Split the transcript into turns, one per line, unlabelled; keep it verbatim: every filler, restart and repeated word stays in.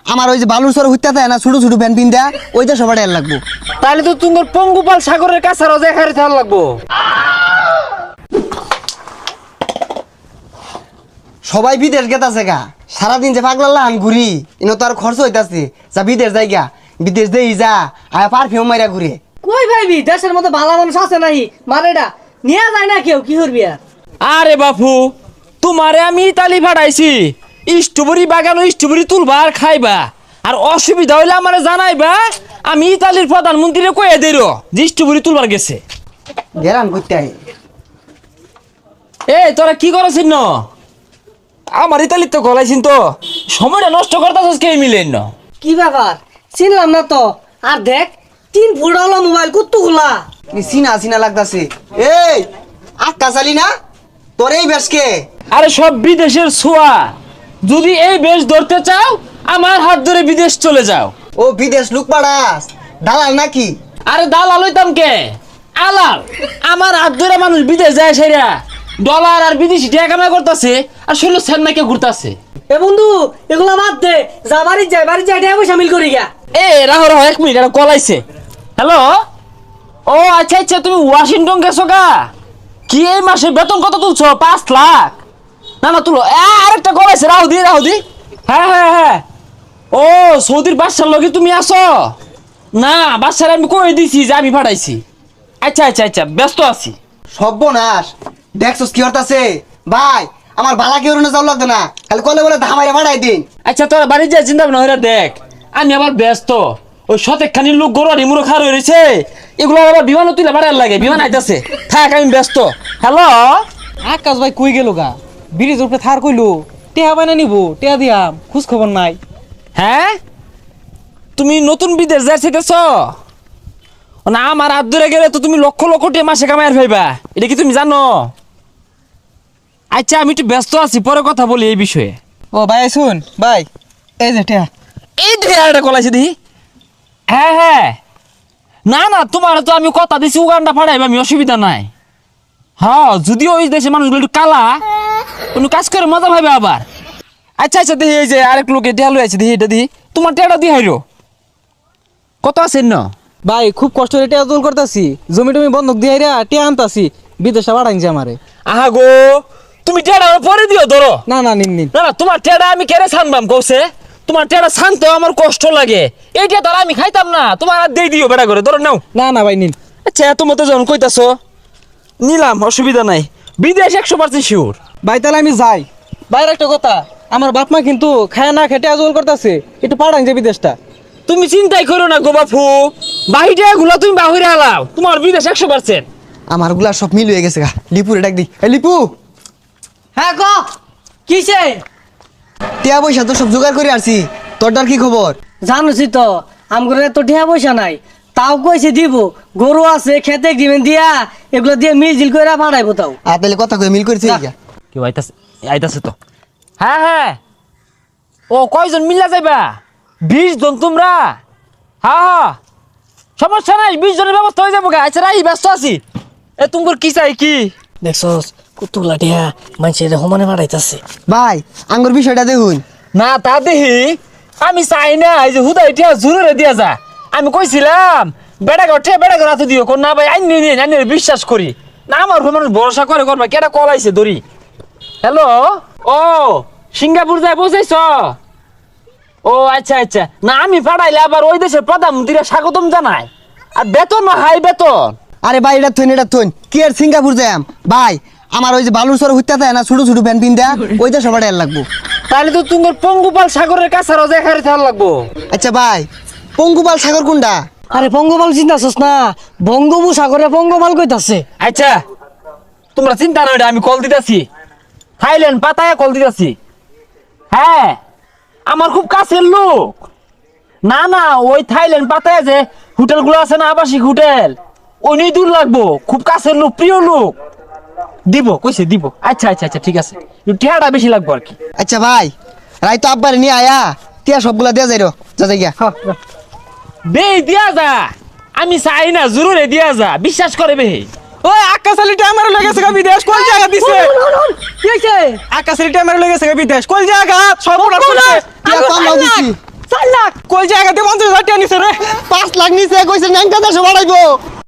আমার ওই যে বালুর সর হইতে থাকে না ছোট ছোট ভ্যান পিন দেয়া ওইটা সবার এর লাগবো।
তাহলে তো তোমার পঙ্গুপাল সাগরের কাছে রোজা খাইতে থাকা লাগবো।
সবাই বিদেশ গেতাছে গা, সারাদিন যে পাগলা আন ঘুরি ইনো তো আর খরচ হইতাছে, যা বিদেশ যাই গা, বিদেশ দেই যা আয়া পারফিউম মাইরা ঘুরে।
কই ভাইবি দেশের মতো ভালো মানুষ আছে নাই মারেডা নিয়ে যায় না কেউ কি করবি আর।
আরে বাপু তোমারে আমি ইতালি পাঠাইছি স্ট্রবেরি বাগান স্ট্রবেরি তুলবা আর খাইবা, আর অসুবিধা হইলে আমারে জানাইবা, আমি ইতালির প্রধানমন্ত্রীরে কয়ে দেই যে স্ট্রবেরি তুলবার গেছে।
গেরান করতে আই
এ তোরা কি করছিস ন? আমার ইতালির তো গলাইছিন তো সময়টা নষ্ট করতেছিস কে মিলেন না?
কি ব্যাপার চিনলাম না তো। আর দেখ তিন ফুট হলো মোবাইল কতগুলা।
সিনা সিনা লাগতাছে। এই আক্কা চালি না তোর এই বেশকে?
আরে সব বিদেশের ছোঁয়া, যদি এই বেশ ধরতে চাও আমার হাত ধরে বিদেশ চলে যাও।
ও বিদেশ লুক পাড়াস দালাল নাকি?
আরে দালাল হইতাম কে, আলাল। আমার হাত ধরে মানুষ বিদেশ যায় সেরা ডলার আর বিদেশি টাকা কামাই করতেছে, আর শৈল চেন্নাইকে ঘুরতেছে।
এ বন্ধু এগুলা বাদ দে, যা বাড়ি যাই বাড়ি যাই টাকা পয়সা মিল করি গা।
এ রাহো রাহো এক মিনিট, এটা কলাইছে। হ্যালো, ও আচ্ছা আচ্ছা তুমি ওয়াশিংটন গেছো গা? কি এই মাসে বেতন কত তুলছো? পাঁচ লাখ? না না তুলো। এ আরেকটা কলাইছে, রাহু দি রাহু দি। হ্যাঁ হ্যাঁ হ্যাঁ, ও সৌদির বাদশার লগে তুমি আসো? না বাদশার আমি কই দিছি যে আমি পাঠাইছি। আচ্ছা আচ্ছা আচ্ছা ব্যস্ত আছি।
সর্বনাশ, দেখছস কি হতাছে ভাই? আমার বালা কেউ না যাও লাগতো না, খালি কলে বলে ধামাইরা বাড়াই দিন।
আচ্ছা তোরা বাড়ি যা, চিন্তা ভাবনা হইরা দেখ। আমি আবার ব্যস্ত, ওই শতেক খানি লোক গরু নিমুরো খার হয়েছে, এগুলো আবার বিমান তুলে বাড়ার লাগে, বিমান আইতাছে। থাক আমি ব্যস্ত। হ্যালো
আকাশ ভাই কই গেল গা? ব্রিজ উপরে থার কইলো টেহা বানা নিব, টেহা দিয়াম, খোঁজ খবর নাই।
হ্যাঁ তুমি নতুন বিদেশ যাইতেছ না? আমার হাত ধরে গেলে তো তুমি লক্ষ লক্ষ টাকা মাসে কামাইয়ার ভাইবা, এটা কি তুমি জানো? আচ্ছা আমি একটু ব্যস্ত আছি, পরে কথা বলি এই বিষয়ে।
ও ভাই শুন ভাই, এই যে টেহা।
এই একটা কলাইছে দেখি। হ্যাঁ হ্যাঁ, না না তোমার তো আমি কথা দিছি উগান্ডা ফাড়াইবা, আমি অসুবিধা নাই। হ্যাঁ যদিও ওই দেশে মানুষগুলো একটু কালা, কোনো কাজ করে মজা পাইবে আবার। আচ্ছা আচ্ছা দেখি এই যে আরেক লোকে টেহালো আছে, দেখি এটা দিই, তোমার টেহাটা দিয়ে হাইরো কত আছেন না?
ভাই খুব কষ্ট করে টেহা জোল করতেছি, জমি টমি বন্ধক দিয়ে রে টেহা আনতাছি, বিদেশে বাড়াইছে আমারে।
আহা গো, তুমি টেহাটা পরে দিও ধরো।
না না নিন নিন।
না না তোমার টেহাটা আমি কেড়ে ছানবাম কৌছে, তোমার টেহাটা ছানতেও আমার কষ্ট লাগে, এইটা ধর আমি খাইতাম না, তোমার আর দিয়ে দিও বেটা করে ধরো নাও।
না না ভাই নিন।
আচ্ছা তোমার তো যখন কইতাছো নিলাম, অসুবিধা নাই, বিদেশ একশো পার্সেন্ট শিওর।
ভাই তাহলে আমি যাই। বাইরে একটা কথা, আমার বাপ মা কিন্তু খায় না খেটে আজল করতেছে, একটু পাঠান যে বিদেশটা।
তুমি চিন্তাই করো না গো বাপু, বাহিরে গুলো তুমি বাহিরে হালাও, তোমার বিদেশ একশো পার্সেন্ট।
আমার গুলা সব মিল হয়ে গেছে গা। লিপুরে ডাক দি। এই লিপু,
হ্যাঁ ক কিসে?
টিয়া পয়সা তো সব জোগাড় করে আসছি, তোরটার কি খবর?
জানোছি তো আমগরে তো টাকা পয়সা নাই, তাও কইছে দিব, গরু আছে খেতে দিবেন দিয়া, এগুলো দিয়ে মিল করে ভাড়াইবো। তাও
আর তাহলে কথা কয়ে মিল করেছি
যা।
কেউ আইতাছে, আইতাছে তো। হ্যাঁ হ্যাঁ, ও কয়জন মিল্লা যাইবা? বিশ জন তোমরা? হ্যাঁ হ্যাঁ সমস্যা নাই, বিশ জনের ব্যবস্থা হয়ে যাবো গা। আচ্ছা রাই ব্যস্ত আছি। এ তোমার কি চাই কি?
দেখছস কতগুলা টিয়া মানুষের সমানে ভাড়াইতাছে।
ভাই আঙ্গুর বিষয়টা দেখুন।
না তা দেখি আমি চাই না এই যে হুদা এটা জরুরে দিয়া যা। আমি কইছিলাম বেড়া ঘর বেড়া ঘর হাতে দিও, কোন না ভাই আইনি নিন, আইনি বিশ্বাস করি না, আমার উপর মানুষ ভরসা করে করবা, কেটা কল আইছে দড়ি। হ্যালো, ও সিঙ্গাপুর যায় পৌঁছাইছ? ও আচ্ছা আচ্ছা, না আমি পাঠাইলে আবার ওই দেশের প্রধানমন্ত্রীরা স্বাগতম জানায়, আর বেতন হাই বেতন।
আরে ভাই এটা থইন এটা থইন, কি আর সিঙ্গাপুর যাম ভাই? আমার ওই যে বালুর সর হইতে থাকে না ছোট ছোট ভ্যান পিন দেয়া ওইটা সবার এর লাগবো।
তাহলে তো তোমার পঙ্গুপাল সাগরের কাছে রোজা খাইতে থাকা লাগবো।
আচ্ছা ভাই পঙ্গুপাল সাগর কোনটা?
আরে পঙ্গপাল চিন্তাছস না, বঙ্গোপসাগরে পঙ্গপাল কইতাছে।
আচ্ছা তোমরা চিন্তা নয়, আমি কল দিতেছি, থাইল্যান্ড পাতায় কল দিতেছি। হ্যাঁ আমার খুব কাছের লোক। না না ওই থাইল্যান্ড পাতায় যে হোটেল গুলো আছে না, আবাসিক হোটেল, ওই নিয়ে দূর লাগবো, খুব কাছের লোক, প্রিয় লোক। দিব কইছে দিব। আচ্ছা আচ্ছা আচ্ছা ঠিক আছে, টিয়াটা বেশি লাগবো আর কি।
আচ্ছা ভাই রাই তো আব্বারে নিয়ে আয়া, টিয়া সবগুলা দেয়া যাই রো, যা যাই গিয়া।
বে দিয়া যা, আমি চাই না, জরুরে দিয়া যা, বিশ্বাস করে বে।
ওই আকাশ আলী টেহা মেরে লেগেছে গা বিদেশ, কোন জায়গা দিছে?
কি হইছে?
আকাশ আলী টেহা মেরে লেগেছে গা বিদেশ, কোন জায়গা? সব
টিয়া কম নাও দিছি।
লাখ
কই জায়গাতে পঞ্চাশ হাজার টাকা নিছে রে
পাঁচ লাখ নিচে কইছে ন্যাংটা দেশে বাড়াইবো